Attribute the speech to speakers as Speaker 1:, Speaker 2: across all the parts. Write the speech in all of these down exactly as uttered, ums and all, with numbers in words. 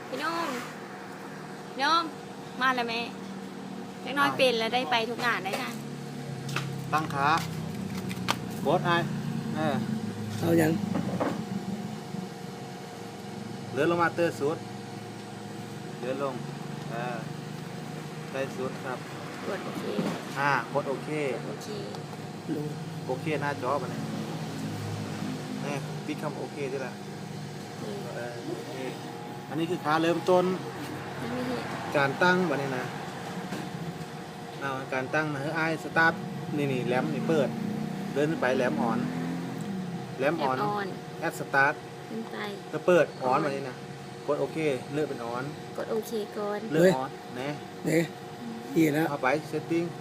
Speaker 1: พี่น้องพี่น้องมาแล้วแม่เล็กน้อยเป็นแล้วได้ไปทุกงานได้นะ
Speaker 2: ตั้งขาโบสไอเออ
Speaker 3: เอายัง
Speaker 2: เลื่อนลงมาเตอร์สุดเลื่อนลงเออได้สุดครับ
Speaker 1: กดโอเค
Speaker 2: อ่ากดโอเค
Speaker 1: โอเค
Speaker 3: ลง
Speaker 2: โอเคหน้าจอมันเนี่ยนี่ปิดคำโอเคด้วยล่ะ
Speaker 1: นี่
Speaker 2: เออโอเคอันนี้คือขาเริ่มต้น
Speaker 1: ยังไม่เห็น
Speaker 2: การตั้งบันนี้นะเอาการตั้งนะเฮ้ยไอสตาร์ทนี่นี่แหลมนี่เปิดเดินขึ้นไปแหลมอ่อนแหลม
Speaker 1: แอ
Speaker 2: อ่อ
Speaker 1: ป
Speaker 2: น
Speaker 1: ออน
Speaker 2: แอดสตาร์ท
Speaker 1: ขึ้นไป
Speaker 2: ก็เปิดอ่อนบันนี้นะกดโอเคเลือกเป็นอ่อน
Speaker 1: กดโอเคก่อน
Speaker 2: เลือกอ่อนนะ
Speaker 3: เนี่ยอีแล้ว
Speaker 2: เข้าไปเซตติ้ง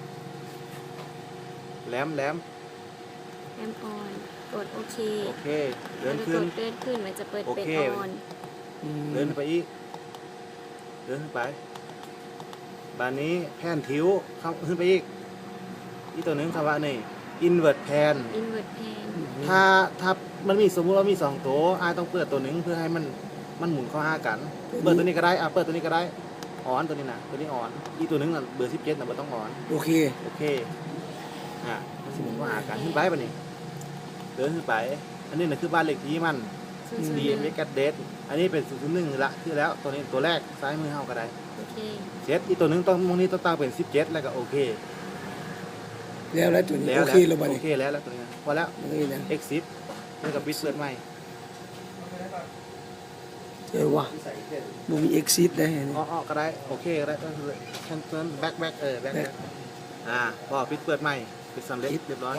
Speaker 2: แหลมแหลม
Speaker 1: แอปออนกดโอเค
Speaker 2: โอเคเดิ
Speaker 1: แล้ว
Speaker 2: น
Speaker 1: ก็
Speaker 2: ขึ้
Speaker 1: ก
Speaker 2: น
Speaker 1: ดเดินขึ้นมันจะเปิด
Speaker 2: โอ
Speaker 1: เป็น
Speaker 2: เค
Speaker 1: ออน
Speaker 3: อืม
Speaker 2: เดินขึ้นไปอีกเดินขึ้นไปบานนี้แผ่นทิวเข้าขึ้นไปอีกอีกตัวหนึ่งคำว่านี่ invert pan
Speaker 1: อินเวอร์แพน
Speaker 2: ถ้าถ้ามันมีสมมุติว่ามีสองตัวอาต้องเปิดตัวหนึ่งเพื่อให้มันมันหมุนเข้าหากัน เปิดตัวนี้ก็ได้อ่ะเปิดตัวนี้ก็ได้ออนตัวนี้นะตัวนี้ออนอีกตัวหนึงน่ะเบอร์สิบเจ็ดน่ะมันต้องออน
Speaker 3: โอเค
Speaker 2: โอเคอ่ะมันสิหมุนเข้าหากันขึ้นไปปะนี่เดินขึ้นไป อันนี้น่ะคือบ้านเลขที่มัน
Speaker 1: ศูนย์ศูน
Speaker 2: ดี
Speaker 1: ย์ห
Speaker 2: เอ็ม
Speaker 1: นึ่ง
Speaker 2: เอสเดสอันนี้เป็นศูนย์ศูนย์หนึ่งละที่แล้วตัวนี้ตัวแรกซ้ายมือเฮาก็ได้
Speaker 1: โอเค
Speaker 2: เจ็ดอีกตัวหนึงต้องมงนี้ต้องตั้งเป็นสิบเจ็ดแล้วก็โอเค
Speaker 3: แล้วแล้วตัวนี้
Speaker 2: แล้ว
Speaker 3: โอเคแล้วบ่
Speaker 2: โอ
Speaker 3: นี่
Speaker 2: เคแล้วแล้วตัวนี้พอแล้ว
Speaker 3: มันก็อีกนะ
Speaker 2: x สิบแล้วก็บิสเปิดใหม่
Speaker 3: เออว่ะบ่มี exit ได้อันนี้
Speaker 2: อ้อๆก็ได้โอเคก็ได้แคนเซิลแบ็คแบ็คเออแบ็คแบ็คอ่าพอปิดเปิดใหม่ปิดสำเร็จเรียบร้อย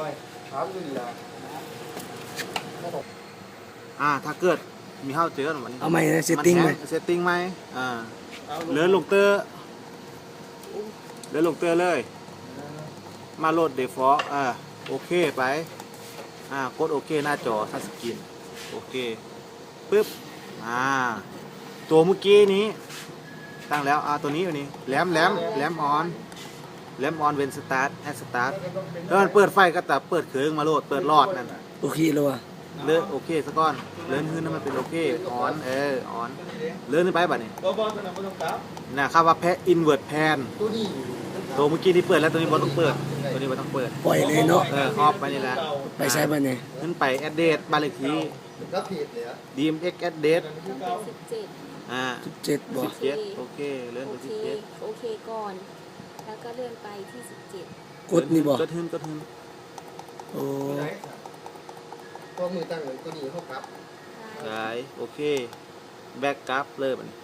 Speaker 2: อ่าถ้าเกิดมีเข้าเจอมัน
Speaker 3: เอาใหม่นะ setting ใหม่
Speaker 2: เซตติ้งไหมอ่าเลื่อนลงเตอร์เลื่อนลงเตอร์เลย มาโหลด default อ่าโอเคไปอ่ากดโอเคหน้าจอทัชสกรีนโอเคปึ๊บอ่าตัวเมื่อกี้นี้ตั้งแล้วอ่าตัวนี้อยู่นี่แหลมแหลมแหลมออนแหลมออนเวนสตาร์ทแอดสตาร์ทแล้วมันเปิดไฟก็แต่เปิดเครื่องมาโหลดเปิดหลอดนั่น
Speaker 3: โอเคแล้วว่ะ
Speaker 2: เลื่อนโอเคซะก่อนเลื่อนขึ้นให้มันเป็นโอเคออนเออออนเลื่อนขึ้นไปบัดนี้นะครับว่าแพอินเวิร์ดแพนตัวเมื่อกี้ที่เปิดแล้วตัวนี้บอต้องเปิดตัวนี้บอต้องเปิด
Speaker 3: ปล่อยเลยเนาะ
Speaker 2: เออออฟไปนี่แหละ
Speaker 3: ไปใช้บ่นี่
Speaker 2: ขึ้นไปแอดเดตบ้านเลขที่ดีมเอ็กแอดเดต
Speaker 1: ต้องเป็นสิบเจ็ด
Speaker 2: อ่า
Speaker 3: สิบเจ็ดบ่
Speaker 2: สิบเจ็ดโอเคเลื่อน
Speaker 1: โอ
Speaker 2: ไป
Speaker 1: เค
Speaker 2: สิบเจ็ด
Speaker 1: โอเคก่อน แล้วก็เลื่อนไปที่สิบเจ็ด
Speaker 3: กดนี่บ่
Speaker 2: กดขึ้นกดขึ้น
Speaker 3: โอ้
Speaker 4: พอมือตั้งเลยก็ดีเข้ากับ
Speaker 2: สายโอเคแบ็กกราฟเลยบัดนี้